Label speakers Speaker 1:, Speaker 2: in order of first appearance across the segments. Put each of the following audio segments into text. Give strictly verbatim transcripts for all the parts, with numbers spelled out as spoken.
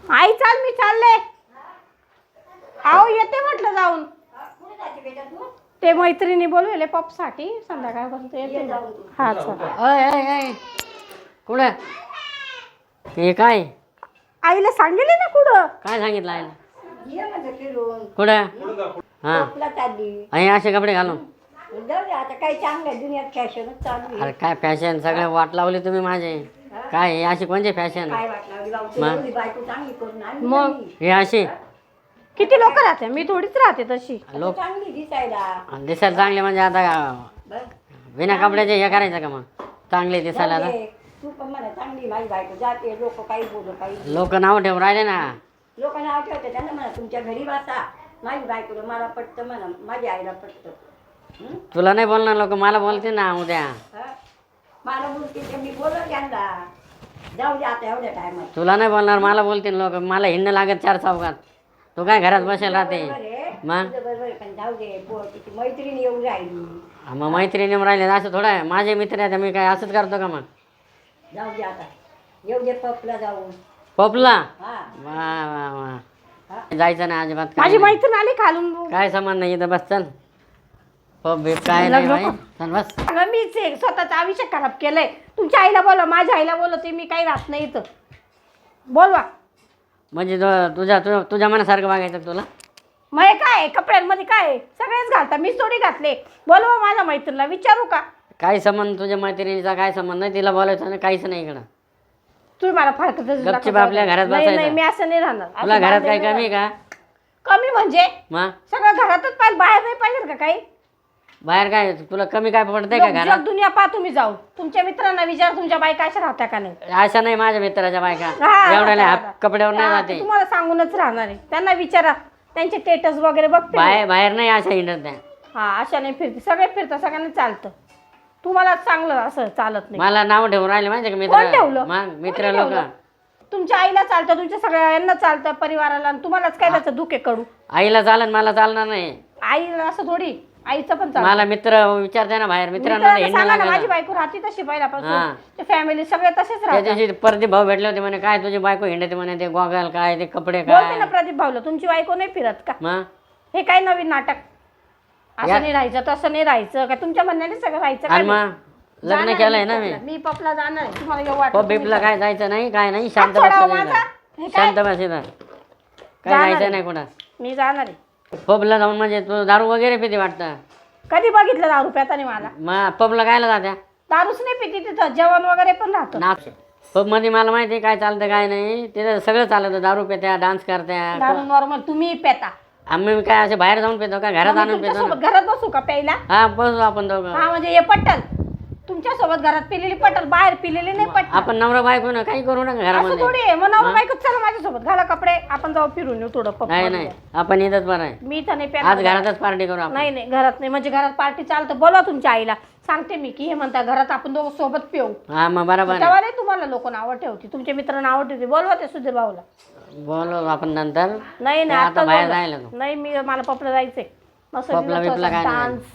Speaker 1: आई चाल मी चालले. आओ येते म्हटलं जाऊन. ते मैत्रिणी बोलवले पपसाठी संध्याकाळपर्यंत येते. हा चल.
Speaker 2: अय अय अय कुठं हे काय
Speaker 1: आईला सांगितले ना कुठं.
Speaker 2: काय सांगितलं आईला कुठं हा आणि असे कपडे घालून
Speaker 3: आता काही चांगलं दुनियात फॅशनच चालू आहे.
Speaker 2: अरे काय फॅशन सगळे वाट लावली तुम्ही माझे. काय हे अशी कोणते फॅशन
Speaker 3: काय वाटलं बाबा बायको चांगली करून आणली
Speaker 1: मग
Speaker 3: नाही.
Speaker 2: हे अशी
Speaker 1: किती लोक राहते मी थोडीच राहते तशी.
Speaker 2: लोक
Speaker 3: चांगली दिसायला
Speaker 2: दिसायला चांगले म्हणजे आता
Speaker 3: बस.
Speaker 2: बिना कपड्याचे हे करायचं का मग चांगले दिसायला आता
Speaker 3: जाऊ दे. तू पण म्हणा चांगली माझी बायको जाते लोक काही बोलू काही
Speaker 2: लोक नाव ठेवून राहिले ना.
Speaker 3: लोक नाव ठेवते त्यांना म्हणा तुमच्या घरी बसा माझी बायको मला पटतं म्हणा माझ्या आईला पटतं. हं?
Speaker 2: तुला नाही बोलणार लोक मला बोलते ना उद्या.
Speaker 3: हं? मला बोलते तर मी बोलत त्यांना जाऊ दे आता एवढ्या टायमात.
Speaker 2: तुला नाही बोलणार मला बोलतील लोक. मला हिंड लागत चार चौकात. तू काय घरात बसेल राहते मग.
Speaker 3: बरोबर आहे पण जाऊ दे बोल तिची मैत्रीण येऊन राहिली.
Speaker 2: मग मैत्रिणी राहिले असं थोडं आहे. माझे मित्र आहेत मी काय असंच करतो का मग.
Speaker 3: जाऊ दे आता येऊ दे पपला जाऊन.
Speaker 2: पपला
Speaker 3: हा
Speaker 2: वा वा वा जायचं नाही अजिबात. काय
Speaker 1: माझी
Speaker 2: नाही.
Speaker 1: मैत्रीण आली खालून.
Speaker 2: काय सामान नाही इथं बस चल. पप बीप काय नाही बाई. चल बस.
Speaker 1: अगं मीच आहे, स्वतःचं आयुष्य खराब केलंय. तुमच्या आईला बोलवा माझ्या आईला बोलवते मी काही राहत नाही इथं. बोलवा.
Speaker 2: म्हणजे तो- तुझ्या तुझ्या तुझ्या मनासारखं वागायचं तुला.
Speaker 1: मग हे काय आहे? कपड्यांमध्ये काय आहे? सगळेच घालता मीच थोडी घातले. बोलवा माझ्या मैत्रीणला विचारू का.
Speaker 2: काही संबंध तुझ्या मैत्रिणीचा काय संबंध नाही. तिला बोलायचं नाही काहीच नाही इकडं.
Speaker 1: तुम्ही मला फारकत
Speaker 2: गपचूप आपल्या घरात
Speaker 1: नाही
Speaker 2: बसायचं.
Speaker 1: नाही मी असं नाही राहणार. असं
Speaker 2: तुला घरात काही
Speaker 1: बांधलेलं
Speaker 2: कमी
Speaker 1: नाही.
Speaker 2: का
Speaker 1: कमी म्हणजे
Speaker 2: मग
Speaker 1: सगळं घरातच पाहिजे बाहेर नाही पाहिजे का काही.
Speaker 2: बाहेर काय तुला कमी काय पडतंय का
Speaker 1: लोक
Speaker 2: घरात.
Speaker 1: जग दुनिया पहा तुम्ही जाऊन. तुमच्या मित्रांना विचार तुमच्या बायका अशा राहत्या का नाही.
Speaker 2: अशा नाही माझ्या मित्राच्या बायका
Speaker 1: हा,
Speaker 2: एवढ्या
Speaker 1: हा,
Speaker 2: हात कपड्यावर नाही
Speaker 1: हा,
Speaker 2: जाते.
Speaker 1: ते तुम्हाला सांगूनच राहणार आहे. त्यांना विचारा त्यांचे स्टेटस वगैरे बघते मी.
Speaker 2: बाहेर बाहेर नाही अशा हिंडत त्या.
Speaker 1: हा अशा नाही फिरते सगळे फिरतात सगळ्यांना चालतं. तुम्हाला चांगलं असं चालत नाही.
Speaker 2: मला नाव ठेवून राहिले माहिती का
Speaker 1: कोण
Speaker 2: मित्र
Speaker 1: ठेवलं?
Speaker 2: मग मित्र
Speaker 1: कोणी
Speaker 2: लोक.
Speaker 1: ठेवलं? तुमच्या आईला चालतं तुमच्या सगळ्या यांना चालतं परिवाराला आणि तुम्हालाच काय त्याचं दुखे कडू.
Speaker 2: आईला चालन मला चालणार नाही.
Speaker 1: आईला असं थोडी आईचं पण चालतं.
Speaker 2: मला मित्र विचारते ना बाहेर मित्रांना
Speaker 1: मित्रांना
Speaker 2: हिंडणं
Speaker 1: सांगा ना, माझी
Speaker 2: लागलं.
Speaker 1: बायको राहते तशी
Speaker 2: हा.
Speaker 1: पहिल्यापासून फॅमिली सगळे तसेच
Speaker 2: त्या
Speaker 1: राहतात.
Speaker 2: दिवशी प्रदीप भाऊ भेटले होते म्हणे काय तुझी बायको हिंडते म्हणे ते गॉगल काय ते कपडे
Speaker 1: बोलते ना
Speaker 2: काय
Speaker 1: प्रदीप भाऊला तुमची बायको नाही फिरत का.
Speaker 2: मग
Speaker 1: हे काय नवीन नाटक. असं
Speaker 2: या-
Speaker 1: नाही राहायचं तसं नाही राहायचं का तुमच्या म्हणण्याने सगळं राहायचं का
Speaker 2: आणि
Speaker 1: नाही?
Speaker 2: मग लग्न
Speaker 1: जाणार
Speaker 2: केलंय
Speaker 1: मी
Speaker 2: ना मी.
Speaker 1: पपला. मी पपला जाणार आहे. तुम्हाला येऊ वाटत
Speaker 2: पब बिपला काय जायचं नाही काय नाही शांत
Speaker 1: हात सोडावं
Speaker 2: बसायचं
Speaker 1: माझा.
Speaker 2: इथं.
Speaker 1: हे काय?
Speaker 2: शांत बस इथं. काय
Speaker 1: जाणार
Speaker 2: जायचं
Speaker 1: आहे.
Speaker 2: नाही कुठं.
Speaker 1: मी जाणार आहे.
Speaker 2: पबला जाऊन म्हणजे तू दारू वगैरे पिते वाटतं.
Speaker 1: कधी बघितलं दारू प्यातानी मला.
Speaker 2: मग पबला कायला जात्या
Speaker 1: दारूच नाही पिती तिथं जेवण वगैरे पण राहतं.
Speaker 2: ना पब मध्ये मला माहिती आहे काय चालतं काय नाही तिथं सगळं चालतं. दारू पित्या डान्स करत्या.
Speaker 1: दारू नॉर्मल तुम्ही पेता.
Speaker 2: आम्ही काय असे बाहेर जाऊन पितो का घरात
Speaker 1: मग मी
Speaker 2: आणून पितो ना.
Speaker 1: तुमच्यासोबत घरात बसू का प्यायला.
Speaker 2: हा बसू आपण दोघं.
Speaker 1: हा म्हणजे हे पटल तुमच्यासोबत घरात पिलेली पटल बाहेर पिलेली नाही पटल.
Speaker 2: आपण नवरा बायको ना काही करू नका
Speaker 1: असं
Speaker 2: घरामध्ये.
Speaker 1: थोडी आहे. मग नवरा बायको चला माझ्यासोबत घाला कपडे आपण जाऊ फिरून येऊ थोडं पब
Speaker 2: नाही
Speaker 1: मध्ये.
Speaker 2: नाही आपण इथंच बरं आहे.
Speaker 1: मी तर नाही
Speaker 2: आज
Speaker 1: प्यायला.
Speaker 2: घरातच पार्टी करू आपण.
Speaker 1: नाही नाही घरात नाही म्हणजे घरात पार्टी चालतं. बोलवा तुमच्या आईला सांगते मी की हे म्हणता घरात आपण दोघं सोबत पिऊ.
Speaker 2: हा मग बरोबर आहे.
Speaker 1: तेव्हा नाही तुम्हाला लोक नावं ठेवती तुमचे मित्र नावं ठेवते. बोलवा ते सुधीर भाऊला.
Speaker 2: बोलू आपण नंतर.
Speaker 1: नाही नाही
Speaker 2: आता
Speaker 1: आता
Speaker 2: बाहेर
Speaker 1: बोलवा.
Speaker 2: जायला तू.
Speaker 1: नाही मी मला पपला जायचंय मस्त
Speaker 2: पबला बिबला काय नाही.
Speaker 1: डान्स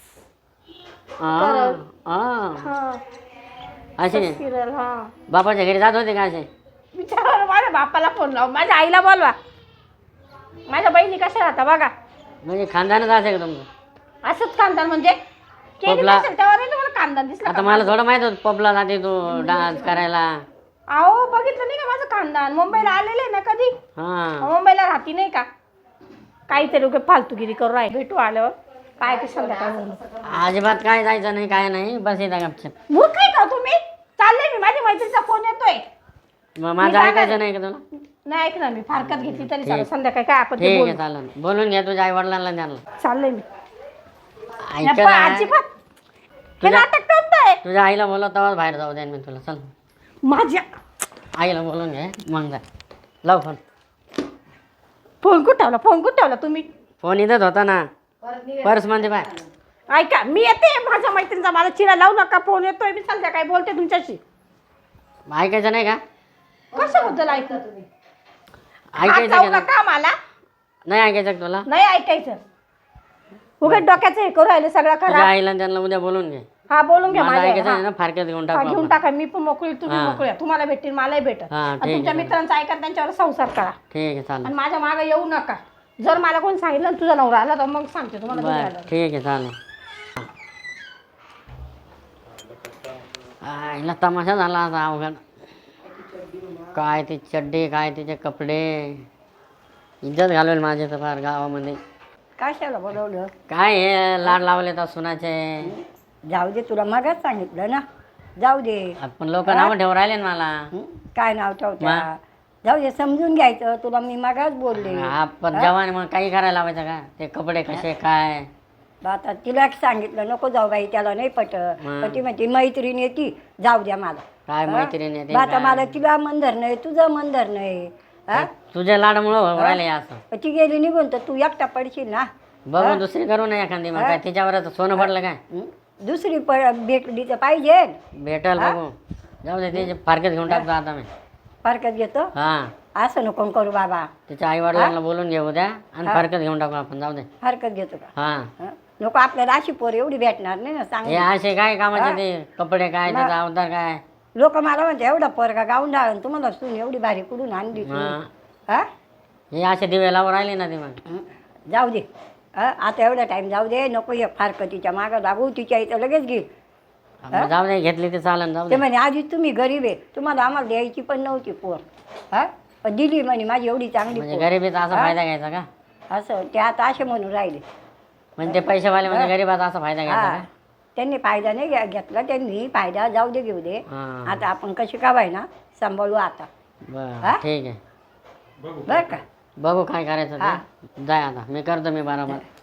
Speaker 2: हा, हा.
Speaker 1: हा
Speaker 2: असे
Speaker 1: फिरल हा
Speaker 2: बापाच्या घरी जात होते का असे.
Speaker 1: विचार माझ्या बापाला फोन लाव माझ्या आईला बोलवा. माझ्या बहिणी कशा राहता बघा.
Speaker 2: म्हणजे खानदानच असे का तुमचं.
Speaker 1: असंच कांदा म्हणजे केली
Speaker 2: पबला-
Speaker 1: नसेल तेव्हा नाही तुम्हाला कांदा दिसला
Speaker 2: आता
Speaker 1: का?
Speaker 2: मला थोडं माहित होतं पबला जाते तू डान्स करायला.
Speaker 1: अहो बघितलं नाही का माझं खानदान मुंबईला आलेलं आहे ना कधी.
Speaker 2: हा
Speaker 1: मुंबईला राहती नाही का काहीतरी लोक फालतूगिरी करू राहिले. भेटू आल्यावर काय ते संध्याकाळ
Speaker 2: अजिबात काय जायचं नाही काय नाही बस येता गपचप.
Speaker 1: मूर्ख आहे का तुम्ही. चाललंय मी माझ्या मैत्रीचा फोन येतोय.
Speaker 2: मग माझं
Speaker 1: जाणार
Speaker 2: ऐकायचं
Speaker 1: आहे.
Speaker 2: नाही का तुला.
Speaker 1: नाही ऐकणार मी फारकत घेतली तरी
Speaker 2: ठीक.
Speaker 1: चालेल संध्याकाळी काय आपण ते
Speaker 2: ठीक आहे
Speaker 1: बोलू.
Speaker 2: चालेल बोलून घ्या तुझ्या आई वडिलांना त्यांना.
Speaker 1: चाललंय मी
Speaker 2: ऐक
Speaker 1: पण
Speaker 2: ना.
Speaker 1: अजिबात हे
Speaker 2: तुझ्या-
Speaker 1: नाटक करताय.
Speaker 2: तुझ्या आईला बोलव तेव्हाच बाहेर जाऊ द्या मी तुला. चल
Speaker 1: माझ्या
Speaker 2: आईला बोलून घे मग जा. लाव फोन.
Speaker 1: फोन कुठं ठेवला फोन कुठं ठेवला तुम्ही.
Speaker 2: फोन इथंच होता ना पर्स मध्ये पाय.
Speaker 1: ऐका मी येते माझ्या मैत्रिणीचा मला चिडा लावू नका. फोन येतोय मी संध्याकाळी बोलते तुमच्याशी.
Speaker 2: ऐकायचं नाही का.
Speaker 1: कशाबद्दल ऐकत तुम्ही. हात
Speaker 2: ऐकायचं
Speaker 1: लावू
Speaker 2: का नाही?
Speaker 1: नका मला.
Speaker 2: नाही ऐकायचं का तुला.
Speaker 1: नाही ऐकायचं उगाच डोक्याचं हे करू राहिले सगळं
Speaker 2: तुझ्या
Speaker 1: खरा.
Speaker 2: आईला आणि त्यांना उद्या बोलून घे.
Speaker 1: हा बोलून घ्या
Speaker 2: मला
Speaker 1: माझ्या
Speaker 2: ऐकायचं
Speaker 1: हा.
Speaker 2: नाही ना, फारक्यात घेऊन
Speaker 1: हा,
Speaker 2: टाकू
Speaker 1: घेऊन
Speaker 2: आपण.
Speaker 1: टाका. मी पण मोकळी, तुम्ही
Speaker 2: हा.
Speaker 1: मोकळी आहे. तुम्हाला भेटतील, मलाही भेटेल.
Speaker 2: हा,
Speaker 1: आणि
Speaker 2: ठीक आहे,
Speaker 1: तुमच्या
Speaker 2: चालेल.
Speaker 1: मित्रांचं ऐका, त्यांच्यावर संसार करा.
Speaker 2: ठीक आहे चालेल.
Speaker 1: आणि माझ्या मागे येऊ नका. जर मला कोण सांगितलं ना तुझा नवरा आला तर मग सांगते तुम्हाला घरी
Speaker 2: बर
Speaker 1: आल्यावर.
Speaker 2: ठीक आहे चालेल. आईला तमाशा झाला आता अवघड. काय ती चड्डी, काय तिचे कपडे, इज्जत घालवेल माझे तर फार गावामध्ये.
Speaker 3: कशाला बोलवलं?
Speaker 2: काय हे लाड लावले तर सुनाचे.
Speaker 3: जाऊ दे, तुला मगच सांगितलं ना, जाऊ दे.
Speaker 2: पण लोक नाव ठेवून राहिले ना मला.
Speaker 3: हं? काय नाव ठेवत्या? जाऊ दे, समजून घ्यायचं. तुला मी मगाच बोलले.
Speaker 2: आपण जवान मग काही करायला लावायचं का? ते कपडे कसे काय.
Speaker 3: आता तिला सांगितलं नको जाऊ बाई, त्याला नाही पट. पण ती म्हणते मैत्रीण येते, जाऊ द्या मला.
Speaker 2: काय मैत्रीण आहे ते
Speaker 3: बा आता
Speaker 2: काय?
Speaker 3: मला तिला मन धरणं तुझं मन धरणं हा
Speaker 2: तुझ्या लाडमुळं राहिले असं.
Speaker 3: पण ती गेली निघून तर तू एकटा पडशील ना.
Speaker 2: बघून दुसरी करू नये एखादी. मग काय तिच्यावरच सोनं पडलं काय?
Speaker 3: हं? दुसरी प भेटली तर पाहिजे.
Speaker 2: भेटल बघू. जाऊ दे, त्याचे फारकत घेऊन टाकतो आता मी.
Speaker 3: फारकत घेतो.
Speaker 2: हा,
Speaker 3: असं नको करू बाबा.
Speaker 2: तिच्या आई वडिलांना बोलून घेऊ द्या आणि फारकत घेऊन टाकू आपण. जाऊ दे.
Speaker 3: फारकत घेतो का?
Speaker 2: हा,
Speaker 3: हं? नको, आपल्याला अशी पोर एवढी भेटणार नाही ना.
Speaker 2: हे
Speaker 3: सांग,
Speaker 2: असे काय कामाचे ते कपडे काय, त्याचा अवतार काय.
Speaker 3: लोक मला म्हणते एवढा पोरगा गाऊन डाळून तुम्हाला सून एवढी भारी कुठून आणली तू?
Speaker 2: हा.
Speaker 3: हा?
Speaker 2: हे असे दिवे लावून राहिले ना ते मग.
Speaker 3: हं? जाऊ दे. हं? आता एवढा टाइम जाऊ दे. नको ये फारकतीच्या मागं लागू. तिच्या इथं लगेच घेईल.
Speaker 2: मग जाऊ दे, घेतली ते चालन. जाऊ
Speaker 3: ते
Speaker 2: दे.
Speaker 3: म्हणे आधीच तुम्ही गरीब आहे, तुम्हाला आम्हाला द्यायची पण नव्हती पोर. हा, पण दिली म्हणे माझी एवढी चांगली
Speaker 2: म्हणजे
Speaker 3: पोर.
Speaker 2: गरिबीचा असा फायदा घ्यायचा का?
Speaker 3: असं ते आता असे म्हणून राहिले.
Speaker 2: म्हणजे ते पैसेवाले म्हणजे गरीबाचा असा फायदा घ्यायचा
Speaker 3: हा,
Speaker 2: का?
Speaker 3: त्यांनी फायदा नाही घ्या- घेतला. त्यांनी फायदा जाऊ दे, घेऊ दे.
Speaker 2: हा.
Speaker 3: आता आपण कशी कावाय ना सांभाळू आता.
Speaker 2: बरं
Speaker 3: हा?
Speaker 2: ठीक आहे.
Speaker 3: बरं का?
Speaker 2: बघू काय करायचं
Speaker 3: हा.
Speaker 2: ते. जाय आता, मी करतो मी बरोबर.